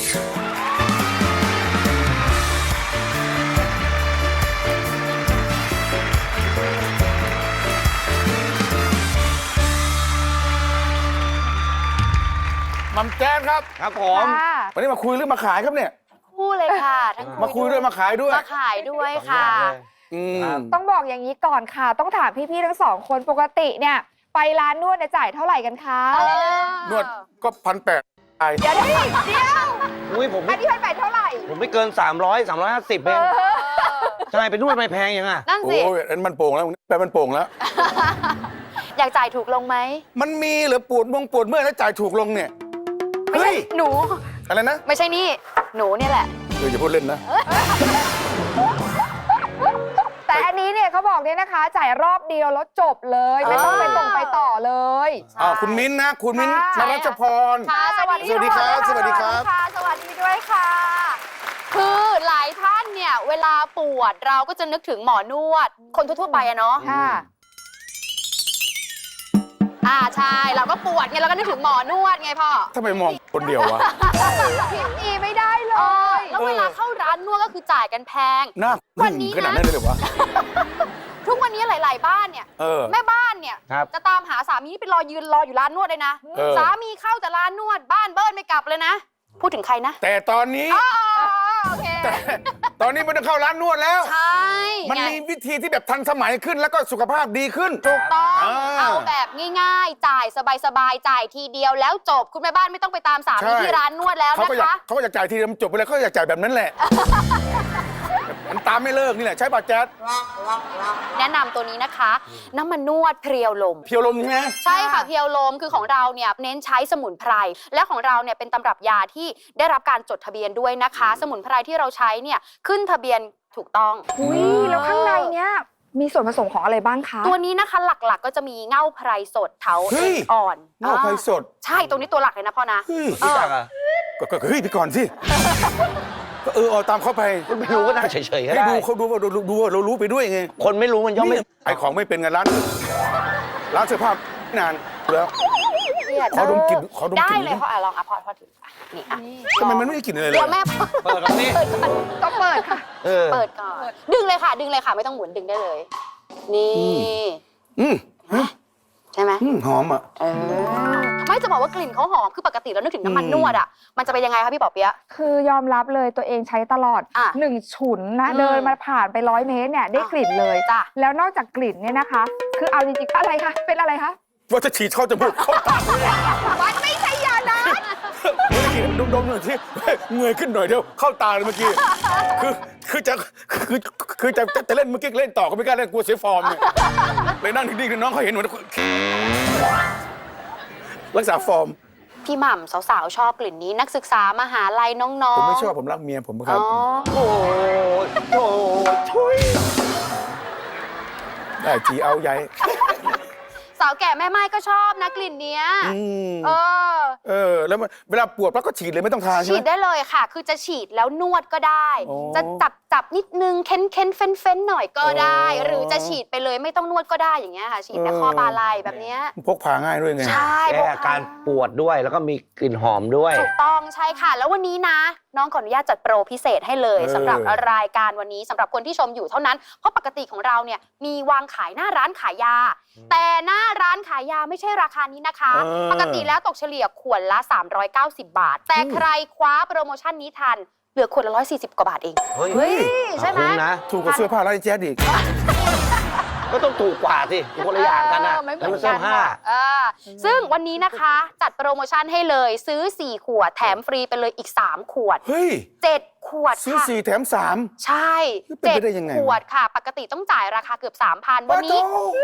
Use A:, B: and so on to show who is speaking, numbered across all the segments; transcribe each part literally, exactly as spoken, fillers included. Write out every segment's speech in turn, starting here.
A: มัมแจ๊ดครับ
B: ครับผม
A: วันนี้มาคุยเรื่องมาขายครับเนี่ย
C: คู่เลยค่ะทั้ง
A: มาคุยด้วยมาขายด้วย
C: มาขายด้วยค่ะ
D: ต้องบอกอย่างนี้ก่อนค่ะต้องถามพี่ๆทั้งสองคนปกติเนี่ยไปร้านนวดเนี่ยจ่ายเท่าไหร่กันคะ
A: นวดก็พันแปด
D: เดี๋ยวเดี๋ยวเดี๋ยว
B: อุ้ยผม
D: อันนี้พันแปดเท่าไหร่
B: ผมไม่เกินสามร้อย สามร้อยห้าสิบเองใช่ไปนวดไม่แพงยังอ่ะ
C: นั่นสิ
A: โอ้ยมันโป่งแล้วแปลมันโป่งแล้ว
C: อยากจ่ายถูกลงไหม
A: มันมีหรือปวดมงปวดเมื่อยแล้วจ่ายถูกลงเนี่ย
C: ไม่ใช่หนู
A: อะไรนะ
C: ไม่ใช่นี่หนูเนี่ยแหละ
A: เอออย่าพูดเล่นนะ
D: แต่อันนี้เนี่ยเขาบอกเนี่ยนะคะจ่ายรอบเดียวแล้วจบเลยไม่ต้องไปตรงไปต่อเลย
A: อ่าคุณมิ้นนะคุณมิ้นนรัชพร
C: ค่ะสวัสดี
A: ครับสวัสดีครับ
C: สวัสดีด้วยค่ะคือหลายท่านเนี่ยเวลาปวดเราก็จะนึกถึงหมอนวดคนทั่วๆไปอะเนาะ
D: ค่ะ
C: อ่าใช่เราก็ปวดไงเราก็นึกถึงหมอนวดไงพ่อ
A: ทำไมมองคนเดียววะ
D: คิดอีไม่ได้เลย
C: แล้วเวลาเข้าร้านนวดก็คือจ่ายกันแพง
A: น่าวันนี้ขนาดนั้นเลยเหรอวะ
C: ทุกวันนี้หลายๆบ้านเนี่ยแม่บ้านเนี่ยจะตามหาสามีไปรอยืนรออยู่ร้านนวดเลยนะสามีเข้าแต่ร้านนวดบ้านเบิ้ลไม่กลับเลยนะพูดถึงใครนะ
A: แต่ตอนนี้แต่ตอนนี้มันต้องเข้าร้านนวดแล้ว
C: ใช่
A: มันมีวิธีที่แบบทันสมัยขึ้นแล้วก็สุขภาพดีขึ้น
C: ถูกต้องเอาแบบง่ายๆจ่ายสบายๆจ่ายทีเดียวแล้วจบคุณแม่บ้านไม่ต้องไปตามสามีที่ร้านนวดแล้วนะคะ
A: เขาก็อยากจ่ายทีเดียวจบไปเลยเขาอยากจ่ายแบบนั้นแหละมันตามไม่เลิกนี่แหละใช่ป่ะแจ๊ด
C: แนะนำตัวนี้นะคะน้ำมันนวดเพียวลม
A: เพียวลมใช่ไหม
C: ใช่ค่ะเพียวลมคือของเราเนี่ยเน้นใช้สมุนไพรและของเราเนี่ยเป็นตำรับยาที่ได้รับการจดทะเบียนด้วยนะคะสมุนไพรที่เราใช้เนี่ยขึ้นทะเบียนถูกต้อง
D: อุ้ยแล้วข้างในเนี่ยมีส่วนผสมของอะไรบ้างคะ
C: ตัวนี้นะคะหลักๆก็จะมีเง่าไพรสดเถาเอ็นอ่อน
A: เง่าไพรสด
C: ใช่ตรงนี้ตัวหลักเลยนะพ่อนะ
A: รู้จักอ่ะก็เฮ้ยไปก่อนสิเออเอาตามเข้าไป
B: ไม่รู้ก็น่าเฉยๆให้
A: ดูเขาดูว่าดูว่าเรารู้ไปด้วยไง
B: คนไม่รู้มันย่อมไม่
A: ไอของไม่เป็นไงร้านร้านเสื้อผ้านานแล้วขอดมกลิ่นขอดมกลิ่น
C: ได้เลยพ่ออ่ะลองอ่ะพ่อพ่อถือนี่อ่ะ
A: ทำไมมันไม่ได้กลิ่นอะไรเลย
C: เดี๋ยวแม่
B: เปิดก่อนนี่
D: ต้องเปิดค่ะ
C: เปิดก่อนดึงเลยค่ะดึงเลยค่ะไม่ต้องหมุนดึงได้เลยนี่
A: อืม
C: ใช่ไหม
A: หอมอ่ะ
C: ไม่จะบอกว่ากลิ่นเขาหอมคือปกติเรานึกถึงน้ำมันนวดอ่ะมันจะเป็นยังไงคะพี่ป๋อเปี๊ยะ
D: คือยอมรับเลยตัวเองใช้ตลอดหนึ่งฉุนนะเดินมาผ่านไปร้อยเมตรเนี่ยได้กลิ่นเลยจ้ะแล้วนอกจากกลิ่นเนี่ยนะคะคือเอาจริงๆอะไรคะเป็นอะไรคะ
A: ว่าจะฉีดเข้าจมูกเข้าตา
D: มันไม่ใช่ยานะ
A: เมื่อกี้ดมๆหน่อยที่เงยขึ้นหน่อยเดียวเข้าตาเลยเมื่อกี้คือคือจะคือคือจะจะเล่นเมื่อกี้เล่นต่อก็ไม่กล้าเล่นกลัวเสียฟอร์มเนี่ยเลยนั่งนิ่งๆน้องเขาเห็นเหมือนรักษาฟอร์ม
C: พี่หม่ำสาวๆชอบกลิ่นนี้นักศึกษามหาลัยน้องๆ
A: ผมไม่ชอบผมรักเมียผมครับ
C: โอ้
A: โหช่วยได้ทีเอาใหญ่
C: สาวแก่แม่ไม้ก็ชอบนะกลิ่นเนี้ยเออ
A: เออแล้วเวลาปวดปั๊บก็ฉีดเลยไม่ต้องทาใช่ไหม
C: ฉีดได้เลยค่ะคือจะฉีดแล้วนวดก็ได้จะจับจับนิดนึงเค้นเค้นเฟ้นเฟ้นหน่อยก็ได้หรือจะฉีดไปเลยไม่ต้องนวดก็ได้อย่างเงี้ยค่ะฉีดในข้อบาไหล่แบบเนี้ย
A: พกพาง่ายด้วยไง
C: ใช่
B: แก้อาการปวดด้วยแล้วก็มีกลิ่นหอมด้วย
C: ถูกต้องใช่ค่ะแล้ววันนี้นะน้องขออนุญาตจัดโปรพิเศษให้เลยสำหรับรายการวันนี้สำหรับคนที่ชมอยู่เท่านั้นเพราะปกติของเราเนี่ยมีวางขายหน้าร้านขายยาแต่หน้าร้านขายยาไม่ใช่ราคานี้นะคะปกติแล้วตกเฉลี่ยขวดละสามร้อยเก้าสิบบาทแต่ใครคว้าโปรโมชั่นนี้ทันเหลือขวดละหนึ่งร้อยสี่สิบกว่าบาทเอง
B: เฮ้ย
C: ใช่ไหม
A: ถูกกว่าเสื้อผ้าร้านแจ๊ดอีก
B: ก็ต้องถูกกว่าสิคนละอย่างกันนะ
C: แล้วมันเสื้อผ้าซึ่งวันนี้นะคะจัดโปรโมชั่นให้เลยซื้อสี่ขวดแถมฟรีไปเลยอีกสามขวด
A: เฮ้ย
C: เจ็ดขวด
A: ซื้อสี่แถมสาม
C: ใช่เจ็ดขวดค่ะปกติต้องจ่ายราคาเกือบ สามพัน วันนี้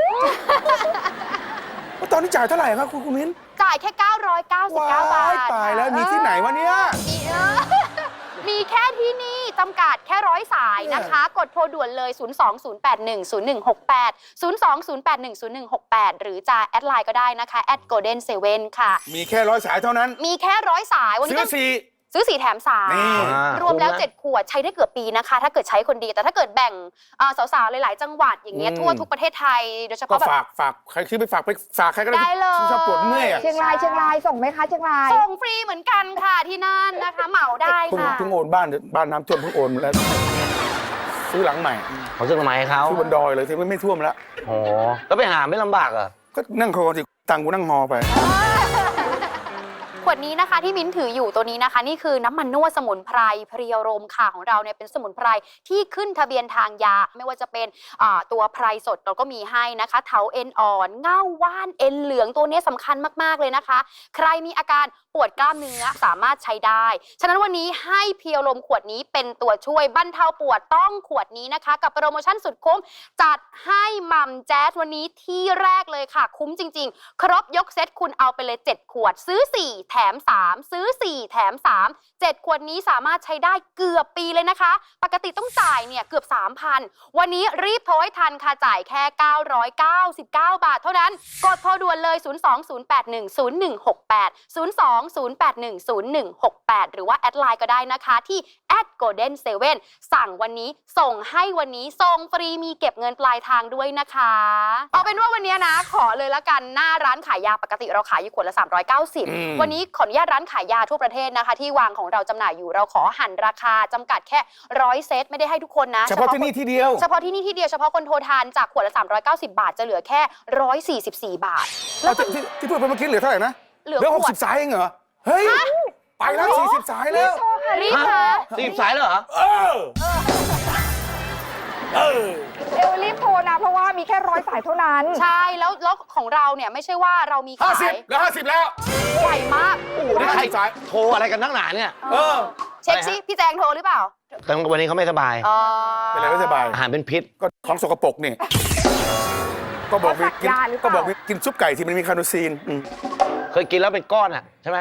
A: ตอนนี้จ่ายเท่าไหร่ครับคุณคุณมิ้น
C: จ่ายแค่เก้าร้อยเก้าสิบเก้าบาท
A: ตายแล้วมีที่ไหนวะเนี่ย
C: มีแค่ที่นี่จำกัดแค่ร้อยสายนะคะกดโทรด่วนเลย ศูนย์ สอง ศูนย์ แปด หนึ่ง ศูนย์ หนึ่ง หก แปด ศูนย์ สอง ศูนย์ แปด หนึ่ง ศูนย์ หนึ่ง หก แปด หรือจะแอดไลน์ก็ได้นะคะแอดโกลเด้นเซเว่นค่ะ
A: มีแค่ร้อยสายเท่านั้น
C: มีแค่ร้อยสาย
A: วันนี้ซื้อสี่
C: ซื้อสี่แถมสาม
A: นี่
C: รวมแล้ว
B: คุ้มนะ
C: เจ็ดขวดใช้ได้เกือบปีนะคะ ถ้าเกิดใช้คนเดียวแต่ถ้าเกิดแบ่งอ่าสาวๆหลายๆจังหวัดอย่างเงี้ย
A: อืม
C: ทั่วทุกประเทศไทยโดยเฉ
A: ก็
C: พาะแบบ
A: ฝากฝากใครซื้อไปฝากไปฝากใครก็ได้
C: ได้เลย
A: ที่ชอบปวดเมื่อยอะ
D: เชียงรายเชียงรายส่งไหมคะเชียงราย
C: ส่งฟรีเหมือนกันค่ะที่นั่นนะคะ เหมาได้
A: เพิ่ง
C: ค่ะ
A: เพิ่งโอนบ้านบ้านน้ำท่วมเพิ่งโอนมาแล้วซื้อหลังใหม่
B: เขาซื้อทำไมให้เขา
A: ซื้อบนดอยเลยที่ไม่ไม่ท่วมแล้ว
B: โอ้แล้วไปหาไม่ลำบากเหรอ
A: ก็นั่งคอสิตังกูนั่งฮอไป
C: ขวดนี้นะคะที่มิ้นถืออยู่ตัวนี้นะคะ นี่คือน้ำมันนวดสมุนไพรเพรียวรมค่ะของเราเนี่ยเป็นสมุนไพรที่ขึ้นทะเบียนทางยา ไม่ว่าจะเป็นอ่าตัวไพรสดเราก็มีให้นะคะเถาเอ็นอ่อนเง่าว่านเอ็นเหลืองตัวนี้สำคัญมากๆเลยนะคะ ใครมีอาการปวดกล้ามเนื้อสามารถใช้ได้ ฉะนั้นวันนี้ให้เพียวลมขวดนี้เป็นตัวช่วยบรรเทาปวดต้องขวดนี้นะคะ กับโปรโมชั่นสุดคุ้มจัดให้หม่ำแจ๊สวันนี้ที่แรกเลยค่ะ คุ้มจริง ๆ ครบยกเซตคุณเอาไปเลยเจ็ดขวดซื้อสี่แถมสามซื้อสี่แถมสามเจ็ดขวดนี้สามารถใช้ได้เกือบปีเลยนะคะ ปกติต้องจ่ายเนี่ยเกือบ สามพัน วันนี้รีบโทรให้ทันค่ะจ่ายแค่เก้าร้อยเก้าสิบเก้า บาทเท่านั้นกดโทรด่วนเลย ศูนย์ สอง ศูนย์ แปด หนึ่ง ศูนย์ หนึ่ง หก แปด ศูนย์ สอง ศูนย์ แปด หนึ่ง ศูนย์ หนึ่ง หก แปด หรือว่าแอดไลน์ก็ได้นะคะที่ แอท โกลเด้น เซเว่น สั่งวันนี้ส่งให้วันนี้ส่งฟรีมีเก็บเงินปลายทางด้วยนะคะเอาเป็นว่าวันนี้นะขอเลยละกันหน้าร้านขายยาปกติเราขายอยู่ขวดละสามร้อยเก้าสิบ
A: อืม
C: วันนี้ขออนุญาตร้านขายยาทั่วประเทศนะคะ ที่วางของเราจำหน่ายอยู่เราขอหั่นราคาจำกัดแค่ร้อยเซตไม่ได้ให้ทุกคนนะ
A: เฉพาะที่นี่ที่เดียว
C: เฉพาะที่นี่ที่เดียวเฉพาะคนโทรทานจากขวดละสามร้อยเก้าสิบบาทจะเหลือแค่หนึ่งร้อยสี่สิบสี่บาท
A: แล้วที่ที่ที่พูดไปเมื่อกี้เหลือเท่าไหร่นะ
C: เหลือ
A: ห
C: ข
A: ก
C: ว
A: สิ
C: ด
A: บสายเองเหรอ เฮ้ย ไปแล้วสี่สิบสายแล้ว
C: รีบค่ะ
B: รีบสายเลยเหรอ
A: เออ เออ
D: เอวรีบโทรนะ เพราะว่ามีแค่ร้อยสายเท่านั้น
C: ใช่แล้วแล้วของเราเนี่ยไม่ใช่ว่าเรามี
A: ห้า
C: ขา
A: สิบ
C: ย
A: แล้วห้าสิบแล้ว
C: ใหญ่มาก
B: โอ้โหนี่ใคร
A: สาย
B: โทรอะไรกันนักหนาเนี่ย
A: เออ
C: เช็คซิพี่แจงโทรหรือเปล่า
B: แต่วันนี้เขาไม่สบาย
C: อ๋อ
A: เป็นไรไม่สบาย
B: อาหารเป็นพิษ
A: ก็ของสกปรกนี่ ก็บอกมีกิน
D: เขาสักยาหรือเปล่า
A: ก็บอกมีกินซุปไก่ที่มันมีคาโนซีนอืม
B: เคยกินแล้วเป็นก้อนอ่ะใช่ไหม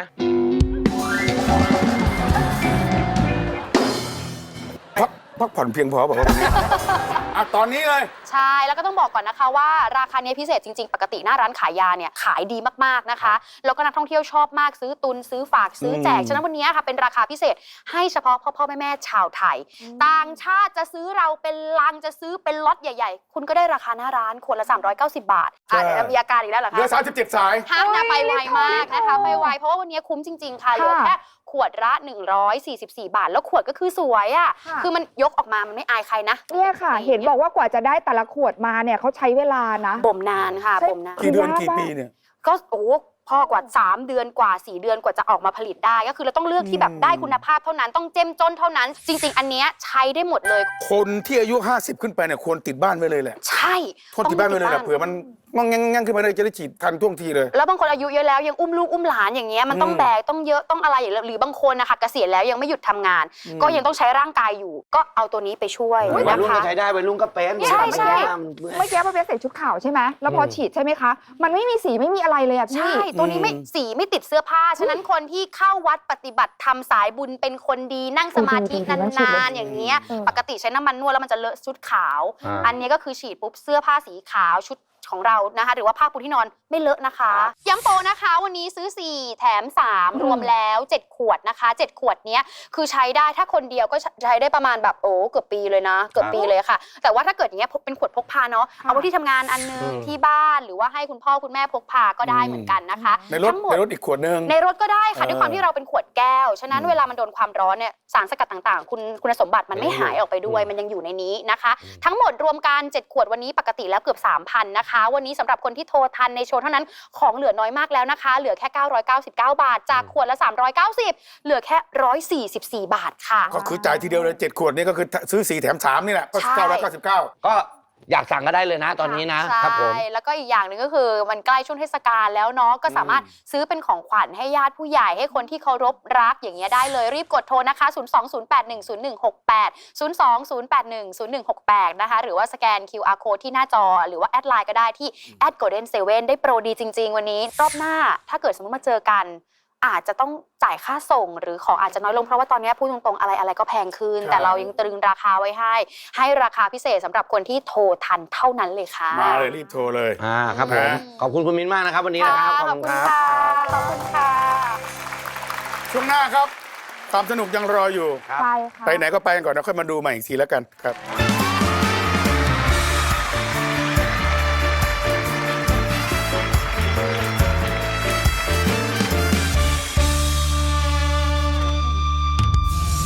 A: พักพักผ่อนเพียงพอบอกว่าวันนี้ อ่ะตอนนี้เลย
C: ใช่แล้วก็ต้องบอกก่อนนะคะว่าราคาเนี้ยพิเศษจริงๆ ปกติหน้าร้านขายยาเนี่ยขายดีมากๆนะคะแล้วก็นักท่องเที่ยวชอบมากซื้อตุนซื้อฝากซื้อแจก
A: อืม
C: ฉะนั้นวันนี้ค่ะเป็นราคาพิเศษให้เฉพาะพ่อพ่อแม่แม่ๆชาวไทย ต่างชาติจะซื้อเราเป็นลังจะซื้อเป็นล็อตใหญ่ๆ คุณก็ได้ราคาหน้าร้านขวดละสามร้อยเก้าสิบบาทอ่ะเดี๋ยวมีอาการอีกแล้วเหรอ
A: เหลือ
C: คะ
A: สามสิบเจ็ดสาย
C: ห้ามนะไปไวมากนะคะไปไวเพราะว่าวันนี้คุ้มจริง ๆ ค่ะเหลือแค่ขวดละหนึ่งร้อยสี่สิบสี่บาท แล้วขวดก็คือสวยอ่ะ
D: ค่ะ
C: คือมันยกออกมามันไม่อายใครนะ
D: เนี่ยค่ะ เห็นบอกว่ากว่าจะได้แต่ละขวดมาเนี่ยเขาใช้เวลานะ
C: บ่มนานค่ะ
D: ใช่
C: บ่มนาน
A: กี่เดือน
D: ยาก
A: กี่
D: มาก
A: ปีเนี่ย
C: ก็โอ้พ่อกว่าสามเดือนกว่าสี่เดือนกว่าจะออกมาผลิตได้ ก็คือเราต้องเลือกที่แบบ
A: อืม
C: ได้คุณภาพเท่านั้นต้องเจ้มจนเท่านั้น จริง ๆ อันเนี้ยใช้ได้หมดเลย
A: คนที่อายุห้าสิบขึ้นไปเนี่ยควรติดบ้านไว้เลยแหละ
C: ใช่
A: โทษติดบ้านไว้เลยแหละเผื่อมันมันงังๆขึ้นมาเลยจะได้ฉีดทันท่วงทีเลย
C: แล้วบางคนอายุเยอะแล้วยังอุ้มลูกอุ้มหลานอย่างเงี้ยมันต้อง
A: อืม
C: แบกต้องเยอะต้องอะไรอย่างเงี้ยหรือบางคนนะคะเกษียณแล้วยังไม่หยุดทำงาน
A: อืม
C: ก็ยังต้องใช้ร่างกายอยู่ ก็เอาตัวนี้ไปช่วย
B: วัย
C: นะ
B: รุ่น
C: คะ
B: ก็ใช้ได้วัยรุ่นก็เป็น
C: ใช่ใช่
B: มันเมื่อย
D: เมื่อกี้ป้าเปียกใส่ชุดขาวใช่ไหมแล้วพออ
B: ม
D: ฉีดใช่ไหมคะ มันไม่มีสีไม่มีอะไรเลยอะพี่
C: ใช่ ตัวนี้ไม่
A: อืม
C: สีไม่ติดเสื้อผ้า ฉะนั้นคนที่เข้าวัดปฏิบัติทำสายบุญเป็นคนดีนั่งสมาธิ
D: จริงๆมันฉีด
C: น
D: เลย
C: านๆอย่างเงี้ย
D: เออ
C: ปกติใช้น้ำมันนวดแล้วมันจะเลอะชุดขาว
B: อ่า
C: อันนี้ก็คือฉีดปุ๊บเสื้อผ้าสีขาวชุดของเรานะคะ หรือว่าผ้าปูที่นอนไม่เลอะนะคะ ย้ำโปรนะคะ วันนี้ซื้อสี่แถมสาม
D: อืม
C: รวมแล้วเจ็ดขวดนะคะเจ็ดขวดเนี้ยคือใช้ได้ถ้าคนเดียวก็ใช้ได้ประมาณแบบโอ้เกือบปีเลยนะเกือบปีเลยค่ะ แต่ว่าถ้าเกิดอย่างเงี้ยพกเป็นขวดพกพาเนาะเอาไว้ที่ทำงานอันนึง
B: อืม
C: ที่บ้านหรือว่าให้คุณพ่อคุณแม่พกพาก็ได้เหมือนกันนะคะ
A: ในรถ
C: ทั้งหมด
A: ในรถอีกขวดหนึง
C: ในรถก็ได้ค่ะ
A: เออ
C: ด้วยความที่เราเป็นขวดแก้ว ฉะนั้น
A: อืม
C: เวลามันโดนความร้อนเนี่ยสารสกัดต่างๆ คุณคุณสมบัติมันไม่หายออกไปด้วย มันยังอยู่ในนี้นะคะ ทั้งหมดรวมกันเจ็ดขวดวันนี้ปกติแล้วเกือบ สามพัน นะคะ วันนี้สำหรับคนที่โทรทันในโชว์เท่านั้นของเหลือน้อยมากแล้วนะคะ เหลือแค่เก้าร้อยเก้าสิบเก้าบาท จากขวดละสามร้อยเก้าสิบเหลือแค่หนึ่งร้อยสี่สิบสี่บาทค่ะ
A: ก็คือจ่ายทีเดียวเลยเจ็ดขวดนี่ก็คือซื้อสี่แถมสามนี่แหละก็
C: ใช่
A: เก้าร้อยเก้าสิบเก้า
B: ก็อยากสั่งก็ได้เลยนะ ตอนนี้นะ
C: ใช่
B: ครับผม
C: แล้วก็อีกอย่างหนึ่งก็คือมันใกล้ช่วงเทศกาลแล้วเนาะก็สามารถซื้อเป็นของขวัญให้ญาติผู้ใหญ่ให้คนที่เคารพรักอย่างเงี้ยได้เลยรีบกดโทรนะคะ ศูนย์ สอง ศูนย์ แปด หนึ่ง ศูนย์ หนึ่ง หก แปด ศูนย์ สอง ศูนย์ แปด หนึ่ง ศูนย์ หนึ่ง หก แปด นะคะหรือว่าสแกน คิว อาร์ Code ที่หน้าจอ หรือว่าแอดไลน์ก็ได้ที่ แอท โกลเด้น เซเว่น ได้โปรดีจริง ๆ วันนี้รอบหน้าถ้าเกิดสมมติมาเจอกันอาจจะต้องจ่ายค่าส่งหรือของอาจจะน้อยลงเพราะว่าตอนนี้พูดตรงๆอะไรอะไรก็แพงขึ้น
A: ครับ
C: แต่เรายังตรึงราคาไว้ให้ ให้ราคาพิเศษสำหรับคนที่โทรทันเท่านั้นเลยค่ะ
A: มาเลยรีบโทรเลย
B: อ่าครับผม
A: นะ
B: ขอบคุณคุณมิ้นมากนะครับวันนี้นะครับ
C: ขอบคุณค่ะ ขอบคุณค่ะ
A: ช่วงหน้าครับความสนุกยังรออยู่
B: ครับ
D: ใช่ค่ะ
A: ไปไหนก็ไปกันก่อนนะค่อยมาดูใหม่อีกทีแล้วกันครับ